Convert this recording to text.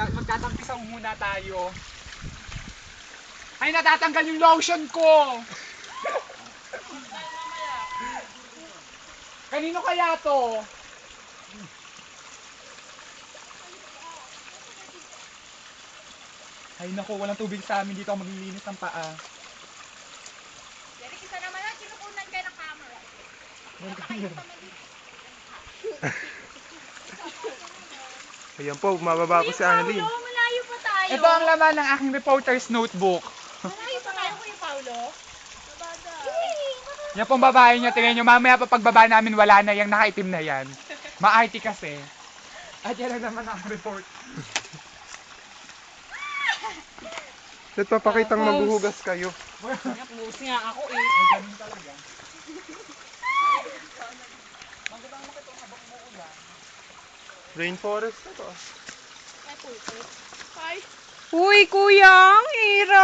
magtatampisaw muna tayo. Ay, natatanggal yung lotion ko! Kanino kaya to? Ay naku, walang tubig sa amin dito. Ako maglilinis ng paa. Derek, isa naman lang, kinukunan kayo ng camera. Ayan po, mababa po si Annalyn. Paulo, malayo pa tayo. Ito ang laman ng aking reporter's notebook. Malayo pa tayo, Kuya Paulo. Nabada. Yan pong babae niya, tingnan nyo, mamaya pa pagbaba namin wala na yung nakaitim na yan. Ma-IT kasi. At yan ang naman ang report. At papakitang maghuhugas kayo. Pumus nga ako eh. Ay, ganun talaga. Magandang makita ang habang umuulan. Rainforest na to. Uy, kuya, ang hirap.